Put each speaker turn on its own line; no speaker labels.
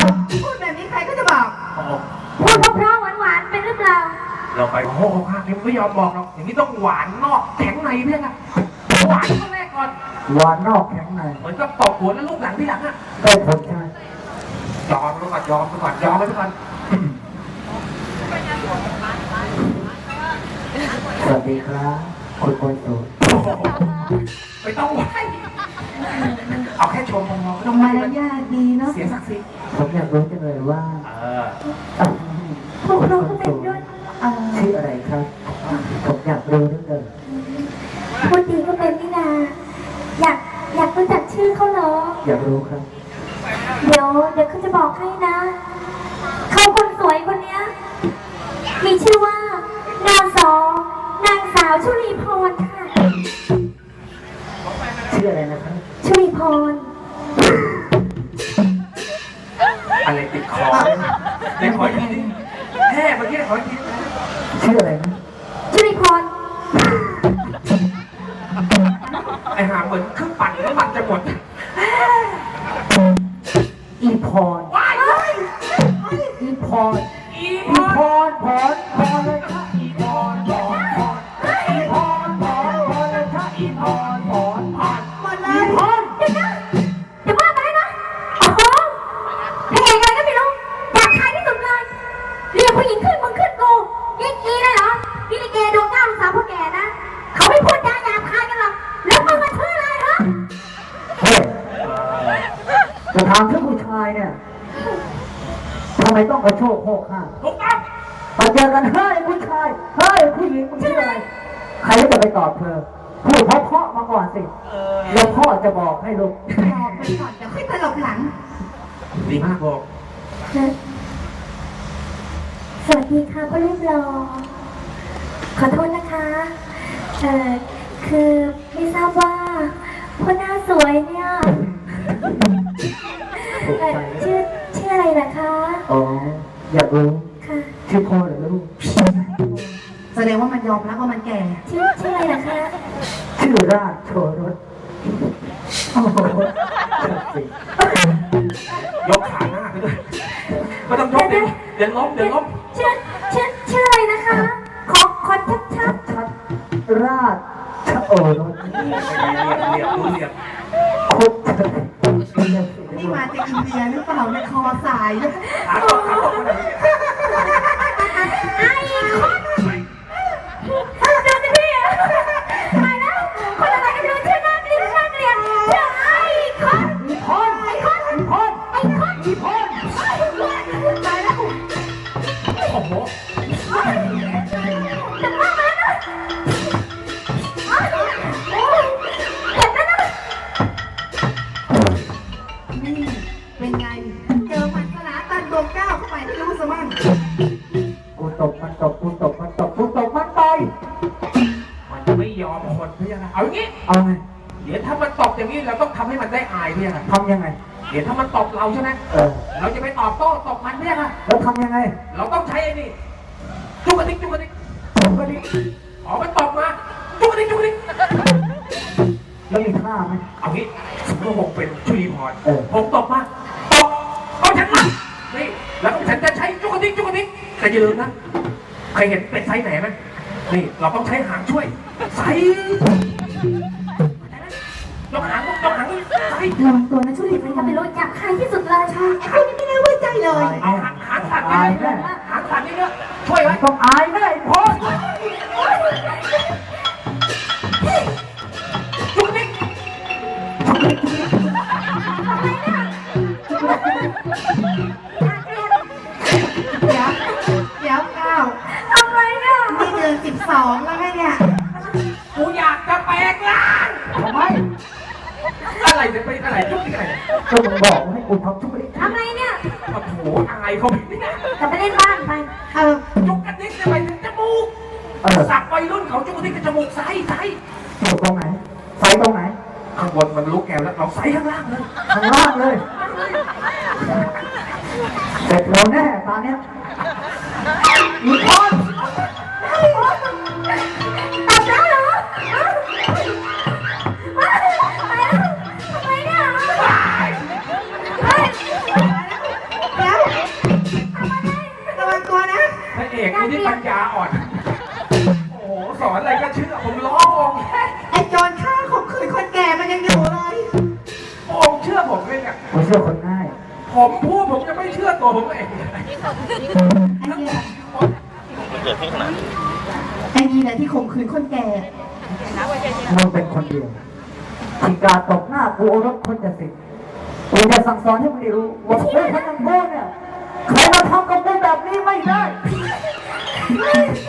พูดแบบนี้ใครก็จะบอก
พูดเพราะหวานๆเป็นหรือเปล่า
เราไปโอ้โหข้างนี้ไม่ยอมบอกหรอกอย่างนี้ต้องหวานนอกแข็งในเพื่อนอะหวานข้างแรกก่อน
หวานนอกแข็งใน
เหมือนกับตบหัวแล้วลูกหลังที่หลังอะ
ได้ผลใช่ไหม
ยอมไปก่อนยอมไปก่อนยอมไปก่อน
สวัสดีครับคุณคนสวย
ไม่ต้องไหวเอาแค่ชมพอไม่ต้อง
มารยาทดีเนาะ
เสียศักดิ์ศรี
ผมอยากรู้จังเลยว่า
พวกเราก็เป็นด้วย
ชื่ออะไรครับผมอยากรู้ด้วยเลย
พูดดีก็เป็นนี่นาอยากรู้จักชื่อเขาเหรอ
อยากรู้ครับ
เดี๋ยวเขาจะบอกให้นะเขาคนสวยคนเนี้ยมีชื่อว่านางสาวชุลีพรค่ะ
ชื่ออะไรนะครับ
ชุลีพร
อะไรติดคอในคอทีนี้แค่เมื่อกี้ขอที
ชื่ออะไรนะ
ชุลีพร
ไอหาเหมือนเครื่องปั่นน้ำมันจะหมด
อีพรอีพรอีพรพรเลยค่ะอีพรพรอีพรพรเลยค่ะอีพรพร
มาเลยพรเดี๋ยวนะเดี๋ยวว่าไปนะโอ้โหเพลงอะไรก็ไม่รู้อยากขายที่สุดเลยเรียกผู้หญิงขึ้นมึงขึ้นกูยิ่งอีเลยเหรอนี่ลิเกดวงเก้าลูกสาวพ่อแก่นะเขาไม่พูดจาหยาบคายกันหรอกแล้วมึงมาชื่ออะไรเหรอ
เฮ้ยจะถามถึงผู้ชายเนี่ยทำไมต้องกระโชกโคกข้าง
ถูกต้อง
มาเจอกันเฮ้ยผู้ชายเฮ้ยผู้หญิงมึงชื่ออะไรใครจะไปตอบเธอพูดเพราะมาก่อนสิแล้วพ่อจะบอกให้ลูก
บอกไปก่อนเดี๋ยวค่อยตลบหลัง
ดีมากบอก
สวัสดีค่ะพ่อลูกรอขอโทษนะคะคือไม่ทราบว่าพ่อหน้าสวยเนี่ยชื่ออะไรนะคะ
อ๋ออยากรู้
ค่ะ
ชื่อพ่อหรือลูก
แสดงว่ามันยอมรับว่ามันแก่
ชื่ออะไรนะคะ
ชื่อราชโชรสโอ้โห
ยกขาหน้าไปด้วยไม่ต้องยกเดี๋ยวล้ม
ชื่ออะไรนะคะขอชัด
ราชโอรส
เรียบ
คุด
นี่มาจากอินเดียหรือเปล่าในคอสาย
ขาตก
ไอ้คนเจอสิพี่ตายแล้วคนอะไรกันเลยชื่อน่าเกลียดชื่อไอ้คนตายแล้ว
โอ้โห
จะมาไหมนะเห็นไหมนะ
นี่เป็นไงเจอมันสนาตันดวงเก้าเข้าไปที่รู้สมั่ง
กูตบมันต่อย
มันจะไม่ยอมคนเพื่อนเอาอย่างนี้
เอาไง
เดี๋ยวถ้ามันตบอย่างนี้เราต้องทำให้มันได้อายเพื่อน
ทำยังไง
เดี๋ยวถ้ามันตบเราใช่ไหมเราจะไปตอบโต้ตบมันเพื่อน
แล้วทำยังไง
เราต้องใช้ไอ้นี่จุกกระดิกอ๋อมันตบมาจุกกระดิก
แล้วมีท่าไหม
เอางี้สมมติผมเป็นชุลีพรผมตบมาตบเอาฉันมานี่แล้วฉันจะใช้จุกกระดิกแต่อย่าลืมนะเคยเห็นเป็ดไซส์ไหนไหมนี่เราต้องใช้หางช่วยไซยกหางไซ
ระวังตัวนะชุลีพรเป็นรถจับใครที่สุดเลย
ไอ้คนนี้ไม่ได้ไว้ใจเลย
เอาหางสั่นนี่เนอะช่วยไว้
ต้องอายแน่พ่อ
จุกดิ๊ก
เดี๋ยวก้าว
ทำไมเนี่ย
นี่เดือน12แล้วไงเนี่ย
กูอยากจะแปลงร่าง
ทำไม
อะไรจะไปอะไรจุกดิ๊กอะไร
ก็มึงบอกให้กูทำทุกอย่าง
ทำไมเนี่ย
โอ้โหอายเขาไม่ได้
จะไปเล่นบ้านไป
จุกกระดิ๊กจะไปถึงจมูกสักวัยรุ่นเขาจุกกระดิ๊กกับจมูกไซ
ตรงไหนไซตรงไหน
ข้างบนมันลุกแกวแล้วเราไซข้างล่างเลย
เสร็จแล้วแน่ตอนเนี้ยอีกคน
ตัดแล้วเหรอไปแล้วทำไมเนี่ย
ที่ปัญญาอ่อน โอ้โหสอนอะไรก็เชื่อผมล้อองค์
ไอ้โจรฆ่าข่มขืนคนแก่มันยังอยู่เลย
องค์เชื่อผมเลยเนี่ย
ผมเชื่อคนง่าย
ผมพูดผมจะไม่เชื่อตัวผมเอง
ไอ้เนี่ยไอ้นี่แหละที่ข่มขืนคนแก่
มึงเป็นคนเดียวที่กล้าตบหน้ากูโอรสคนจะสิกูจะสั่งสอนให้มึงได้รู้ว่าเฮ้ยคนอย่างกูเนี่ยใครมาทำกับกูแบบนี้ไม่ได้